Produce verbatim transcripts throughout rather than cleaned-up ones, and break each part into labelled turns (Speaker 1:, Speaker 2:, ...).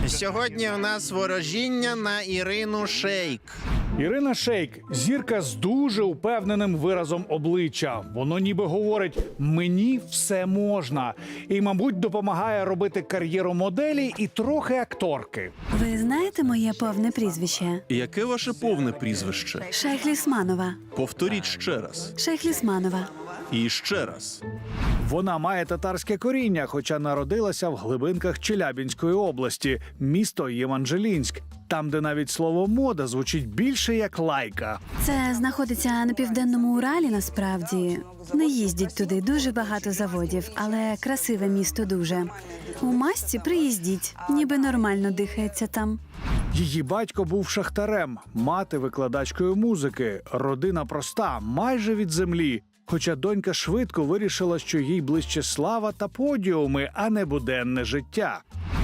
Speaker 1: Сьогодні у нас ворожіння на Ірину Шейк.
Speaker 2: Ірина Шейк – зірка з дуже упевненим виразом обличчя. Воно ніби говорить «мені все можна». І, мабуть, допомагає робити кар'єру моделі і трохи акторки.
Speaker 3: Ви знаєте моє повне прізвище?
Speaker 1: Яке ваше повне прізвище?
Speaker 3: Шейхлісманова.
Speaker 1: Повторіть ще раз.
Speaker 3: Шейхлісманова.
Speaker 1: І ще раз.
Speaker 2: Вона має татарське коріння, хоча народилася в глибинках Челябінської області, місто Єманжелінськ. Там, де навіть слово «мода» звучить більше як лайка.
Speaker 3: Це знаходиться на Південному Уралі, насправді. Не їздять туди, дуже багато заводів, але красиве місто дуже. У масці приїздіть, ніби нормально дихається там.
Speaker 2: Її батько був шахтарем, мати – викладачкою музики. Родина проста, майже від землі. Хоча донька швидко вирішила, що їй ближче слава та подіуми, а не буденне життя.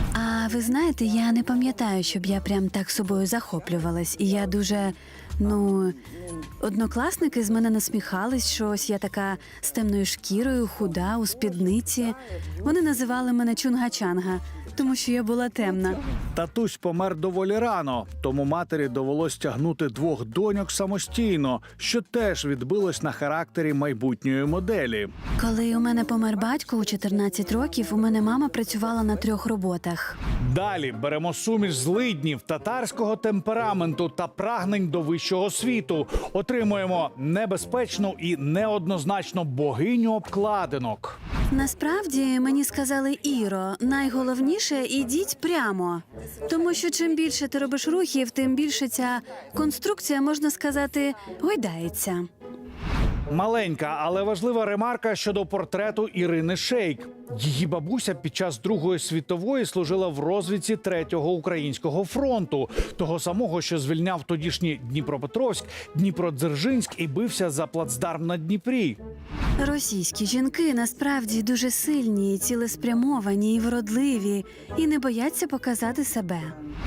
Speaker 3: А ви знаєте, я не пам'ятаю, щоб я прям так собою захоплювалась. І я дуже, ну, однокласники з мене насміхались, що ось я така з темною шкірою, худа, у спідниці. Вони називали мене Чунга-Чанга, тому що я була темна.
Speaker 2: Татусь помер доволі рано, тому матері довелось тягнути двох доньок самостійно, що теж відбилось на характері майбутньої моделі.
Speaker 3: Коли у мене помер батько у чотирнадцять років, у мене мама працювала на трьох роботах.
Speaker 2: Далі беремо суміш злиднів, татарського темпераменту та прагнень до вищого світу. Отримуємо небезпечну і неоднозначно богиню обкладинок.
Speaker 3: Насправді, мені сказали: Іро, найголовніше – ідіть прямо. Тому що чим більше ти робиш рухів, тим більше ця конструкція, можна сказати, гойдається.
Speaker 2: Маленька, але важлива ремарка щодо портрету Ірини Шейк. Її бабуся під час Другої світової служила в розвідці Третього українського фронту, того самого, що звільняв тодішній Дніпропетровськ, Дніпродзержинськ і бився за плацдарм на Дніпрі.
Speaker 3: Російські жінки насправді дуже сильні, цілеспрямовані і вродливі, і не бояться показати себе.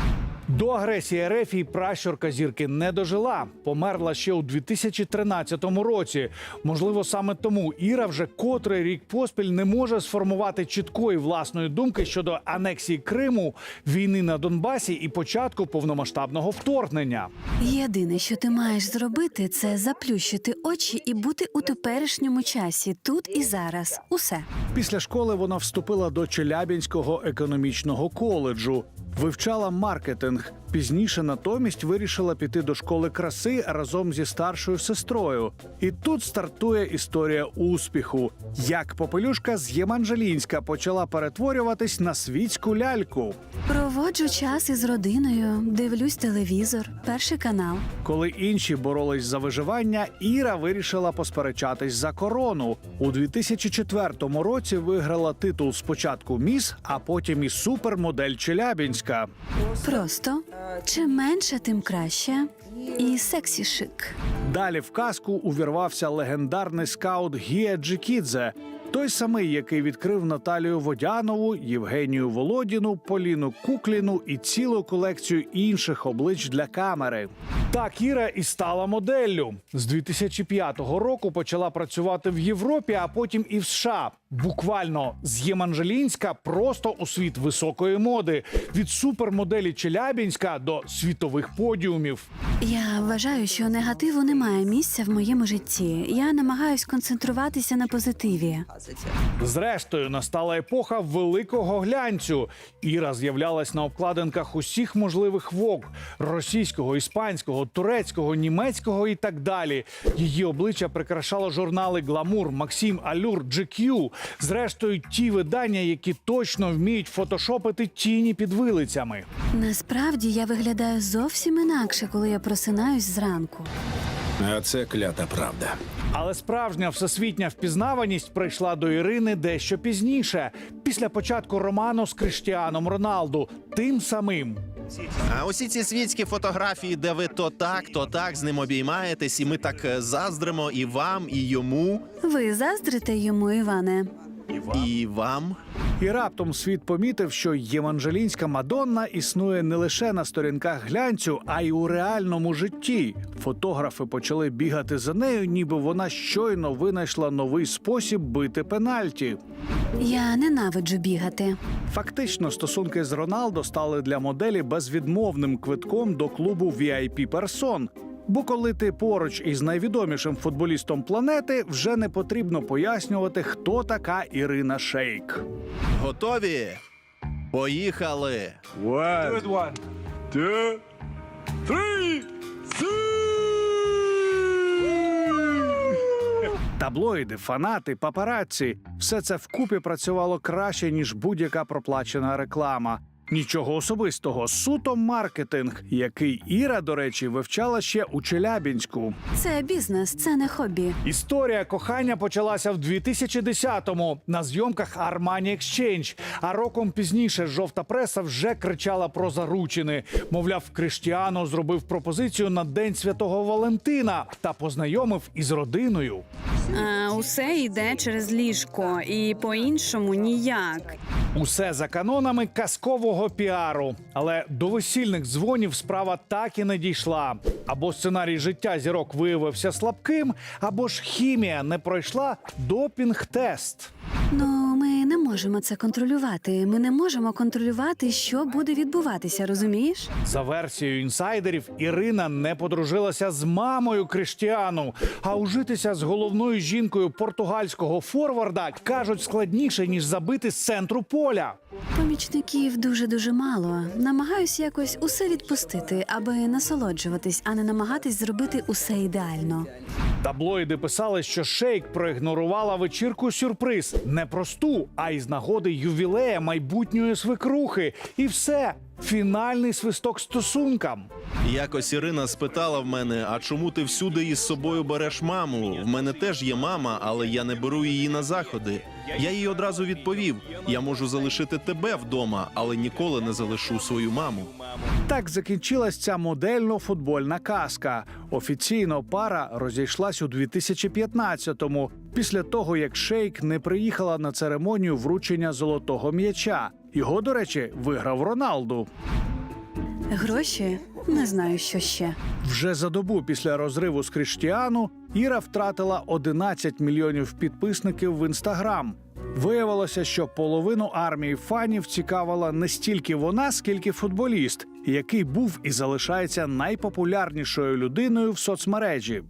Speaker 2: До агресії РФ і пращурка зірки не дожила. Померла ще у дві тисячі тринадцятому році. Можливо, саме тому Іра вже котрий рік поспіль не може сформувати чіткої власної думки щодо анексії Криму, війни на Донбасі і початку повномасштабного вторгнення.
Speaker 3: Єдине, що ти маєш зробити, це заплющити очі і бути у теперішньому часі, тут і зараз. Усе.
Speaker 2: Після школи вона вступила до Челябінського економічного коледжу. Вивчала маркетинг. Пізніше натомість вирішила піти до школи краси разом зі старшою сестрою. І тут стартує історія успіху. Як попелюшка з Єманжелінська почала перетворюватись на світську ляльку.
Speaker 3: Проводжу час із родиною, дивлюсь телевізор, Перший канал.
Speaker 2: Коли інші боролись за виживання, Іра вирішила посперечатись за корону. У дві тисячі четвертому році виграла титул спочатку міс, а потім і супермодель Челябінська.
Speaker 3: Просто чим менше, тим краще. І сексі шик.
Speaker 2: Далі в казку увірвався легендарний скаут Гія Джикідзе. Той самий, який відкрив Наталію Водянову, Євгенію Володіну, Поліну Кукліну і цілу колекцію інших облич для камери. Так Іра і стала моделлю. З дві тисячі п'ятого року почала працювати в Європі, а потім і в США. Буквально з Єманжелінська просто у світ високої моди. Від супермоделі Челябінська до світових подіумів.
Speaker 3: Я вважаю, що негативу немає місця в моєму житті. Я намагаюсь концентруватися на позитиві.
Speaker 2: Зрештою, настала епоха великого глянцю. Іра з'являлась на обкладинках усіх можливих вог – російського, іспанського, турецького, німецького і так далі. Її обличчя прикрашало журнали «Гламур», «Максим», «Алюр», «Джі Кью». Зрештою, ті видання, які точно вміють фотошопити тіні під вилицями.
Speaker 3: Насправді, я виглядаю зовсім інакше, коли я просинаюсь зранку.
Speaker 4: А це клята правда.
Speaker 2: Але справжня всесвітня впізнаваність прийшла до Ірини дещо пізніше, після початку роману з Кріштіаном Роналду, тим самим.
Speaker 1: А усі ці світські фотографії, де ви то так, то так з ним обіймаєтесь, і ми так е, заздримо і вам, і йому,
Speaker 3: Ви заздрите йому, Іване?
Speaker 1: і вам.
Speaker 2: І раптом світ помітив, що євангелійська Мадонна існує не лише на сторінках глянцю, а й у реальному житті. Фотографи почали бігати за нею, ніби вона щойно винайшла новий спосіб бити пенальті.
Speaker 3: Я ненавиджу бігати.
Speaker 2: Фактично, стосунки з Роналдо стали для моделі безвідмовним квитком до клубу ві ай пі персон. Бо коли ти поруч із найвідомішим футболістом планети, вже не потрібно пояснювати, хто така Ірина Шейк.
Speaker 1: Готові? Поїхали!
Speaker 5: Good one, two, three,
Speaker 2: Таблоїди, фанати, папараці – все це вкупі працювало краще, ніж будь-яка проплачена реклама. Нічого особистого, суто маркетинг, який Іра, до речі, вивчала ще у Челябінську.
Speaker 3: Це бізнес, це не хобі.
Speaker 2: Історія кохання почалася в дві тисячі десятому на зйомках Armani Exchange, а роком пізніше жовта преса вже кричала про заручини. Мовляв, Криштіану зробив пропозицію на День Святого Валентина та познайомив із родиною.
Speaker 3: А, усе йде через ліжко, і по-іншому ніяк.
Speaker 2: Усе за канонами казкового піару. Але до весільних дзвонів справа так і не дійшла. Або сценарій життя зірок виявився слабким, або ж хімія не пройшла допінг-тест.
Speaker 3: Ну, ми не можемо це контролювати. Ми не можемо контролювати, що буде відбуватися, розумієш?
Speaker 2: За версією інсайдерів, Ірина не подружилася з мамою Криштіану, а ужитися з головною жінкою португальського форварда, кажуть, складніше, ніж забити з центру поля.
Speaker 3: Помічників дуже-дуже мало. Намагаюсь якось усе відпустити, аби насолоджуватись, а не намагатись зробити усе ідеально.
Speaker 2: Таблоїди писали, що Шейк проігнорувала вечірку-сюрприз. Не просту, а із нагоди ювілея майбутньої свекрухи. І все. Фінальний свисток стосункам.
Speaker 1: Якось Ірина спитала в мене, а чому ти всюди із собою береш маму? В мене теж є мама, але я не беру її на заходи. Я їй одразу відповів, я можу залишити тебе вдома, але ніколи не залишу свою маму.
Speaker 2: Так закінчилась ця модельно-футбольна казка. Офіційно пара розійшлась у дві тисячі п'ятнадцятому, після того, як Шейк не приїхала на церемонію вручення золотого м'яча. Його, до речі, виграв Роналду.
Speaker 3: Гроші? Не знаю, що ще.
Speaker 2: Вже за добу після розриву з Криштіану Іра втратила одинадцять мільйонів підписників в Інстаграм. Виявилося, що половину армії фанів цікавила не стільки вона, скільки футболіст, який був і залишається найпопулярнішою людиною в соцмережі.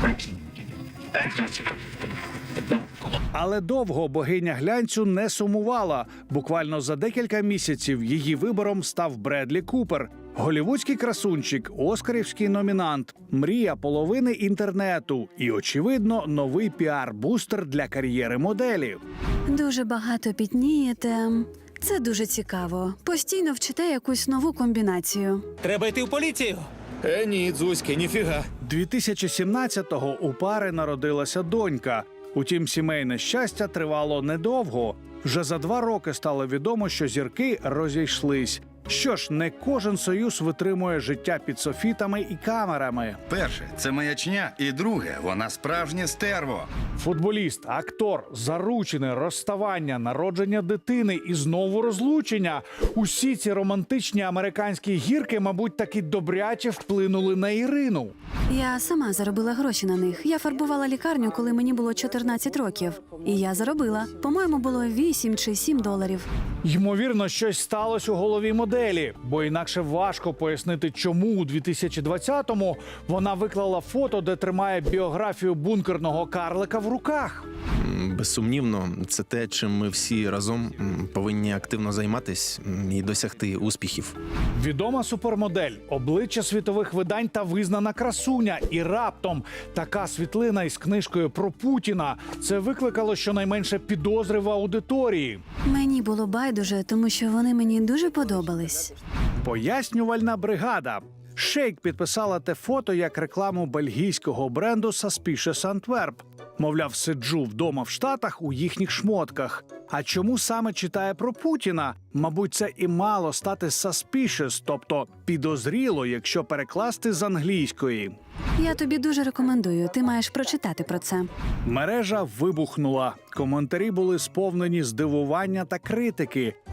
Speaker 2: Але довго богиня глянцю не сумувала. Буквально за декілька місяців її вибором став Бредлі Купер. Голівудський красунчик, оскарівський номінант, мрія половини інтернету і, очевидно, новий піар-бустер для кар'єри моделі.
Speaker 3: Дуже багато пітнієте. Це дуже цікаво. Постійно вчите якусь нову комбінацію.
Speaker 5: Треба йти в поліцію. Е, ні, Дзузьки, ніфіга.
Speaker 2: дві тисячі сімнадцятого у пари народилася донька. Утім, сімейне щастя тривало недовго. Вже за два роки стало відомо, що зірки розійшлись. Що ж, не кожен союз витримує життя під софітами і камерами.
Speaker 6: Перше, це маячня, і друге, вона справжнє стерво.
Speaker 2: Футболіст, актор, заручини, розставання, народження дитини і знову розлучення. Усі ці романтичні американські гірки, мабуть, таки добряче вплинули на Ірину.
Speaker 3: Я сама заробила гроші на них. Я фарбувала лікарню, коли мені було чотирнадцять років. І я заробила. По-моєму, було вісім чи сім доларів.
Speaker 2: Ймовірно, щось сталося у голові моделі, бо інакше важко пояснити, чому у дві тисячі двадцятому вона виклала фото, де тримає біографію бункерного карлика в руках.
Speaker 1: М, Безсумнівно, це те, чим ми всі разом м, повинні активно займатись м, і досягти успіхів.
Speaker 2: Відома супермодель, обличчя світових видань та визнана красуня. І раптом така світлина із книжкою про Путіна. Це викликало щонайменше підозри в аудиторії.
Speaker 3: Мені було байдуже, тому що вони мені дуже подобались.
Speaker 2: Пояснювальна бригада. Шейк підписала те фото як рекламу бельгійського бренду Suspicious Antwerp. Мовляв, сиджу вдома в Штатах у їхніх шмотках. А чому саме читає про Путіна? Мабуть, це і мало стати suspicious, тобто підозріло, якщо перекласти з англійської.
Speaker 3: Я тобі дуже рекомендую. Ти маєш прочитати про це.
Speaker 2: Мережа вибухнула. Коментарі були сповнені здивування та критики.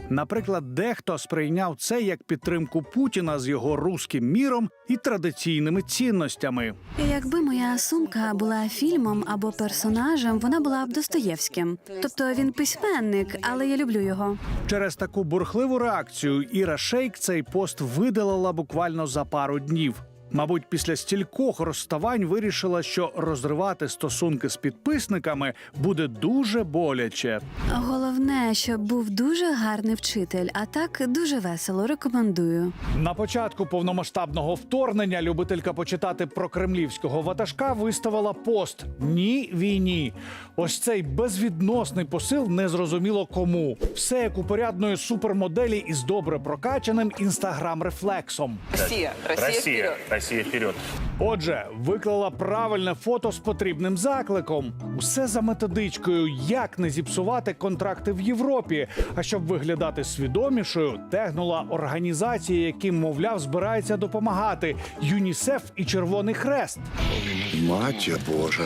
Speaker 2: Наприклад, дехто сприйняв це як підтримку Путіна з його руським міром і традиційними цінностями.
Speaker 3: Якби моя сумка була фільмом або персонажем, вона була б Достоєвським. Тобто він письменник, але я люблю його.
Speaker 2: Через таку бурхливу реакцію Іра Шейк цей пост видалила буквально за пару днів. Мабуть, після стількох розставань вирішила, що розривати стосунки з підписниками буде дуже боляче.
Speaker 3: Головне, щоб був дуже гарний вчитель, а так дуже весело. Рекомендую.
Speaker 2: На початку повномасштабного вторгнення любителька почитати про кремлівського ватажка виставила пост «Ні війні». Ось цей безвідносний посил незрозуміло кому. Все як у порядної супермоделі із добре прокачаним інстаграм-рефлексом.
Speaker 7: Россия, Россия,
Speaker 8: Россия,
Speaker 7: вперед!
Speaker 8: Россия вперед.
Speaker 2: Отже, виклала правильне фото з потрібним закликом. Усе за методичкою, як не зіпсувати контракти в Європі. А щоб виглядати свідомішою, тегнула організації, яким, мовляв, збирається допомагати – ЮНІСЕФ і Червоний Хрест.
Speaker 9: Матір Божа.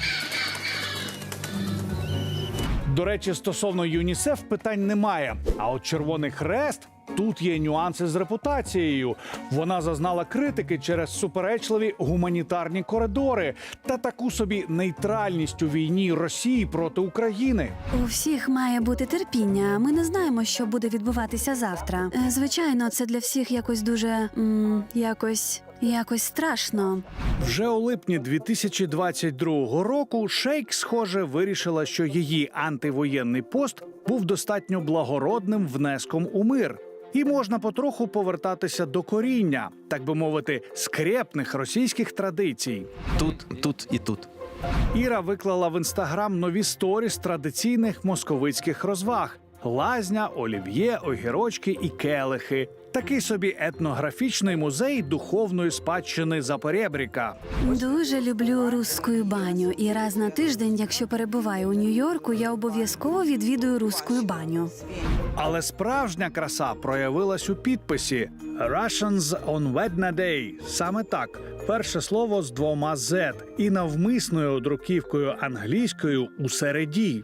Speaker 2: До речі, стосовно ЮНІСЕФ питань немає. А от Червоний Хрест – тут є нюанси з репутацією. Вона зазнала критики через суперечливі гуманітарні коридори та таку собі нейтральність у війні Росії проти України.
Speaker 3: У всіх має бути терпіння. Ми не знаємо, що буде відбуватися завтра. Е, Звичайно, це для всіх якось дуже м, якось. Якось страшно.
Speaker 2: Вже у липні дві тисячі двадцять другого року Шейк, схоже, вирішила, що її антивоєнний пост був достатньо благородним внеском у мир. І можна потроху повертатися до коріння, так би мовити, скрепних російських традицій.
Speaker 1: Тут, тут і тут.
Speaker 2: Іра виклала в інстаграм нові сторіс традиційних московицьких розваг: лазня, олів'є, огірочки і келихи. Такий собі етнографічний музей духовної спадщини Запорєбріка.
Speaker 3: Дуже люблю русскую баню. І раз на тиждень, якщо перебуваю у Нью-Йорку, я обов'язково відвідую русскую баню.
Speaker 2: Але справжня краса проявилась у підписі «Russians on Wednesday». Саме так. Перше слово з двома «з» і навмисною друківкою англійською у середі.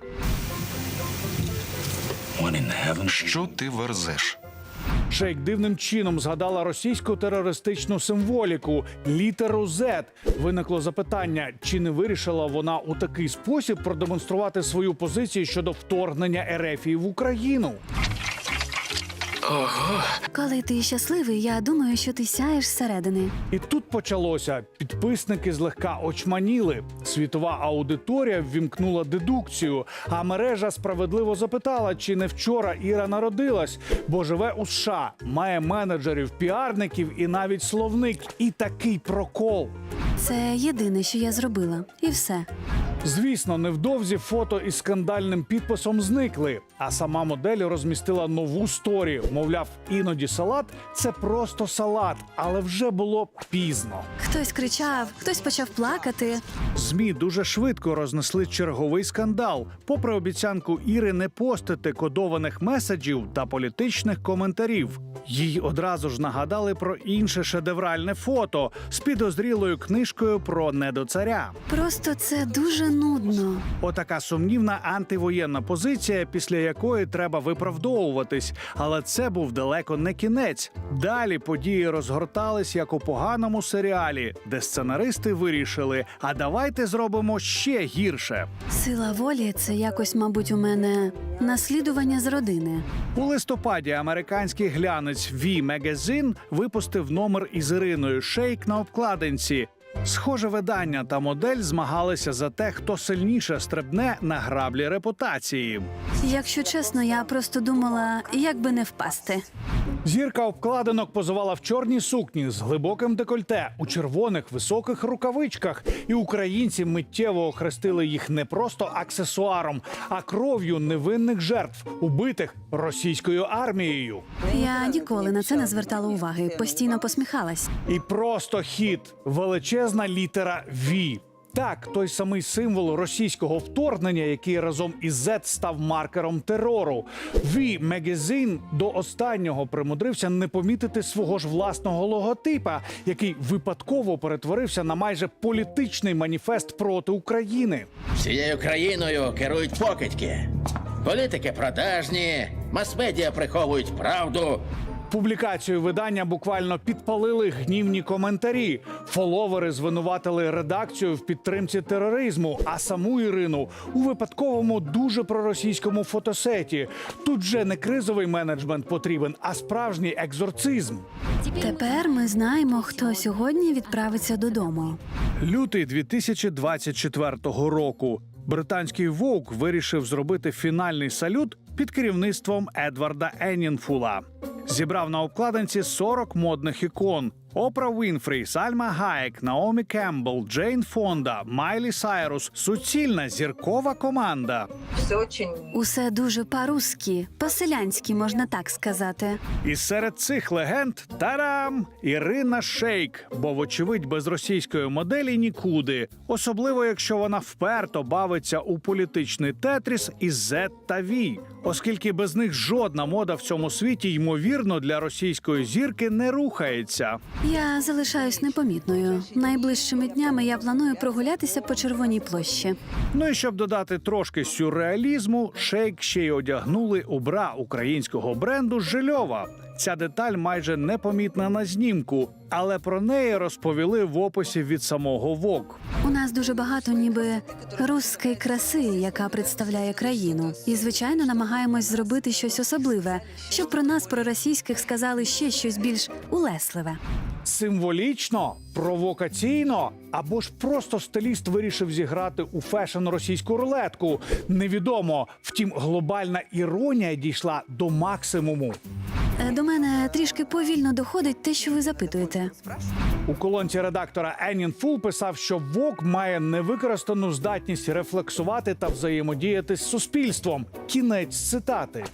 Speaker 6: Що ти верзеш?
Speaker 2: Шейк дивним чином згадала російську терористичну символіку – літеру «З». Виникло запитання, чи не вирішила вона у такий спосіб продемонструвати свою позицію щодо вторгнення Ерефії в Україну.
Speaker 3: Коли ти щасливий, я думаю, що ти сяєш зсередини.
Speaker 2: І тут почалося. Підписники злегка очманіли. Світова аудиторія ввімкнула дедукцію, а мережа справедливо запитала, чи не вчора Іра народилась, бо живе у США, має менеджерів, піарників і навіть словник. І такий прокол.
Speaker 3: Це єдине, що я зробила. І все.
Speaker 2: Звісно, невдовзі фото із скандальним підписом зникли, а сама модель розмістила нову сторі. Мовляв, іноді салат – це просто салат, але вже було пізно.
Speaker 3: Хтось кричав, хтось почав плакати.
Speaker 2: ЗМІ дуже швидко рознесли черговий скандал, попри обіцянку Іри не постити кодованих меседжів та політичних коментарів. Їй одразу ж нагадали про інше шедевральне фото з підозрілою книжкою про недоцаря.
Speaker 3: Просто це дуже нудно.
Speaker 2: Отака сумнівна антивоєнна позиція, після якої треба виправдовуватись. Але це був далеко не кінець. Далі події розгортались, як у поганому серіалі, де сценаристи вирішили, а давайте зробимо ще гірше.
Speaker 3: Сила волі – це якось, мабуть, у мене наслідування з родини.
Speaker 2: У листопаді американський глянець «Ві Magazine» випустив номер із Іриною Шейк на обкладинці. Схоже, видання та модель змагалися за те, хто сильніше стрибне на граблі репутації.
Speaker 3: Якщо чесно, я просто думала, як би не впасти.
Speaker 2: Зірка обкладинок позувала в чорній сукні з глибоким декольте, у червоних високих рукавичках. І українці миттєво охрестили їх не просто аксесуаром, а кров'ю невинних жертв, убитих російською армією.
Speaker 3: Я ніколи на це не звертала уваги, постійно посміхалась.
Speaker 2: І просто хіт – величезна літера «Ві». Так, той самий символ російського вторгнення, який разом із Z став маркером терору. «Ві Magazine» до останнього примудрився не помітити свого ж власного логотипа, який випадково перетворився на майже політичний маніфест проти України.
Speaker 10: Всією країною керують покидьки.
Speaker 7: Політики продажні, мас-медіа приховують правду.
Speaker 2: Публікацію видання буквально підпалили гнівні коментарі. Фоловери звинуватили редакцію в підтримці тероризму, а саму Ірину у випадковому дуже проросійському фотосеті. Тут же не кризовий менеджмент потрібен, а справжній екзорцизм.
Speaker 3: Тепер ми знаємо, хто сьогодні відправиться додому.
Speaker 2: Лютий дві тисячі двадцять четвертого року. Британський Vogue вирішив зробити фінальний салют під керівництвом Едварда Еннінфула. Зібрав на обкладинці сорок модних ікон: Опра Вінфрі, Сальма Гаєк, Наомі Кембл, Джейн Фонда, Майлі Сайрус – суцільна зіркова команда.
Speaker 3: Усе дуже по-русски, по-селянськи, можна так сказати.
Speaker 2: І серед цих легенд – тарам! Ірина Шейк, бо, вочевидь, без російської моделі нікуди. Особливо, якщо вона вперто бавиться у політичний тетріс із Z та V. Оскільки без них жодна мода в цьому світі, ймовірно, для російської зірки не рухається.
Speaker 3: Я залишаюсь непомітною. Найближчими днями я планую прогулятися по Червоній площі.
Speaker 2: Ну і щоб додати трошки сюрреалізму, Шейк ще й одягнули у бра українського бренду «Жильова». Ця деталь майже непомітна на знімку, але про неї розповіли в описі від самого Vogue.
Speaker 3: У нас дуже багато ніби русської краси, яка представляє країну. І, звичайно, намагаємось зробити щось особливе, щоб про нас, про російських, сказали ще щось більш улесливе.
Speaker 2: Символічно, провокаційно, або ж просто стиліст вирішив зіграти у фешн російську рулетку. Невідомо. Втім, глобальна іронія дійшла до максимуму.
Speaker 3: Е, До мене трішки повільно доходить те, що ви запитуєте.
Speaker 2: У колонці редактора Еннінфул писав, що Vogue має невикористану здатність рефлексувати та взаємодіяти з суспільством. Кінець цитати.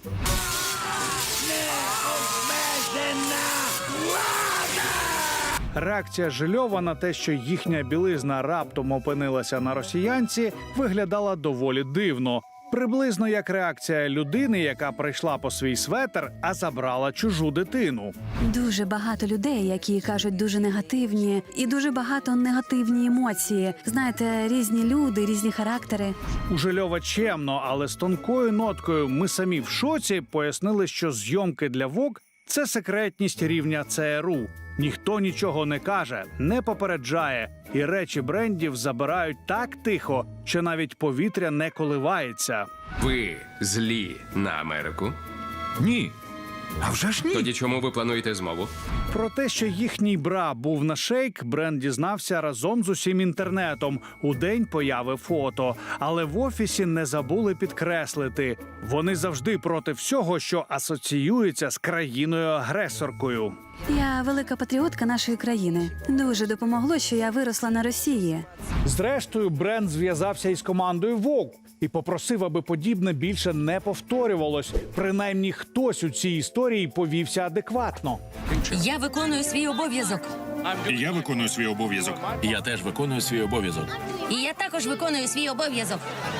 Speaker 2: Реакція Жильова на те, що їхня білизна раптом опинилася на росіянці, виглядала доволі дивно. Приблизно як реакція людини, яка прийшла по свій светр, а забрала чужу дитину.
Speaker 3: Дуже багато людей, які кажуть дуже негативні, і дуже багато негативні емоції. Знаєте, різні люди, різні характери.
Speaker 2: У Жильова чемно, але з тонкою ноткою «ми самі в шоці» пояснили, що зйомки для Vogue – це секретність рівня ЦРУ. Ніхто нічого не каже, не попереджає, і речі брендів забирають так тихо, що навіть повітря не коливається.
Speaker 8: Ви злі на Америку?
Speaker 4: Ні. А вже ж ні.
Speaker 8: Тоді чому ви плануєте змову?
Speaker 2: Про те, що їхній бра був на Шейк, бренд дізнався разом з усім інтернетом у день появи фото. Але в офісі не забули підкреслити – вони завжди проти всього, що асоціюється з країною-агресоркою.
Speaker 3: Я велика патріотка нашої країни. Дуже допомогло, що я виросла на Росії.
Speaker 2: Зрештою, бренд зв'язався із командою Vogue і попросив, аби подібне більше не повторювалось. Принаймні, хтось у цій історії повівся адекватно.
Speaker 10: Я виконую свій обов'язок.
Speaker 11: Я виконую свій обов'язок.
Speaker 4: Я теж виконую свій обов'язок.
Speaker 10: І я також виконую свій обов'язок.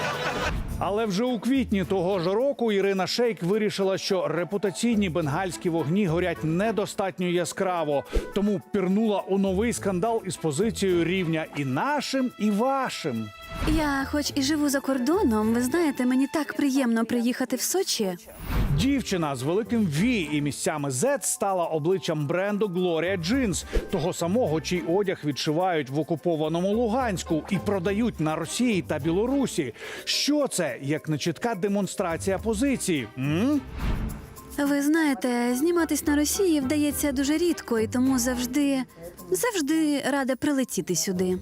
Speaker 2: Але вже у квітні того ж року Ірина Шейк вирішила, що репутаційні бенгальські вогні горять недостатньо яскраво, тому пірнула у новий скандал із позицією рівня і нашим, і вашим.
Speaker 3: Я хоч і живу за кордоном, ви знаєте, мені так приємно приїхати в Сочі.
Speaker 2: Дівчина з великим «Ві» і місцями «Z» стала обличчям бренду Gloria Jeans, того самого, чий одяг відшивають в окупованому Луганську і продають на Росії та Білорусі. Що це, як нечітка демонстрація позиції? М?
Speaker 3: Ви знаєте, зніматись на Росії вдається дуже рідко, і тому завжди, завжди рада прилетіти сюди.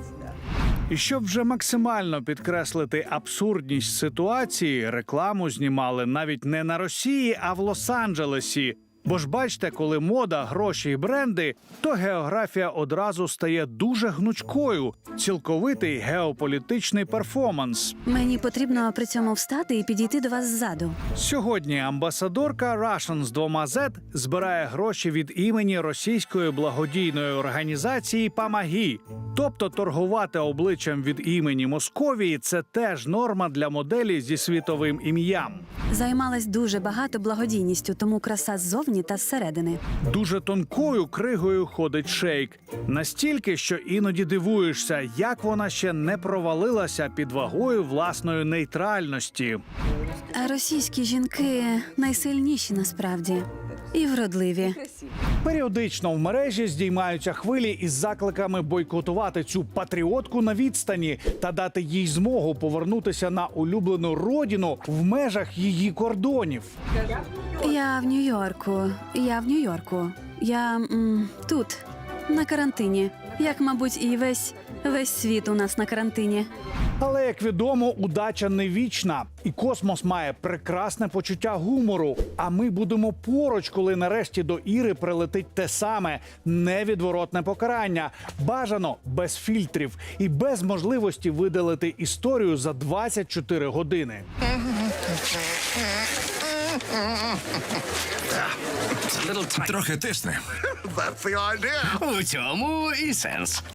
Speaker 2: І щоб вже максимально підкреслити абсурдність ситуації, рекламу знімали навіть не на Росії, а в Лос-Анджелесі. Бо ж бачите, коли мода, гроші і бренди, то географія одразу стає дуже гнучкою. Цілковитий геополітичний перформанс.
Speaker 3: Мені потрібно при цьому встати і підійти до вас ззаду.
Speaker 2: Сьогодні амбасадорка Russian з двома «Z» збирає гроші від імені російської благодійної організації «Помоги». Тобто торгувати обличчям від імені Московії – це теж норма для моделі зі світовим ім'ям.
Speaker 3: Займалась дуже багато благодійністю, тому краса ззовні ззовні та зсередини.
Speaker 2: Дуже тонкою кригою ходить Шейк. Настільки, що іноді дивуєшся, як вона ще не провалилася під вагою власної нейтральності.
Speaker 3: А російські жінки найсильніші насправді і вродливі.
Speaker 2: Періодично в мережі здіймаються хвилі із закликами бойкотувати цю патріотку на відстані та дати їй змогу повернутися на улюблену родину в межах її кордонів.
Speaker 3: Я в Нью-Йорку. Я в Нью-Йорку. Я м, тут, на карантині. Як, мабуть, і весь весь світ у нас на карантині.
Speaker 2: Але, як відомо, удача не вічна, і космос має прекрасне почуття гумору. А ми будемо поруч, коли нарешті до Іри прилетить те саме невідворотне покарання. Бажано без фільтрів і без можливості видалити історію за двадцять чотири години.
Speaker 4: Трохи тисне.
Speaker 9: That's the idea.
Speaker 5: У цьому і сенс.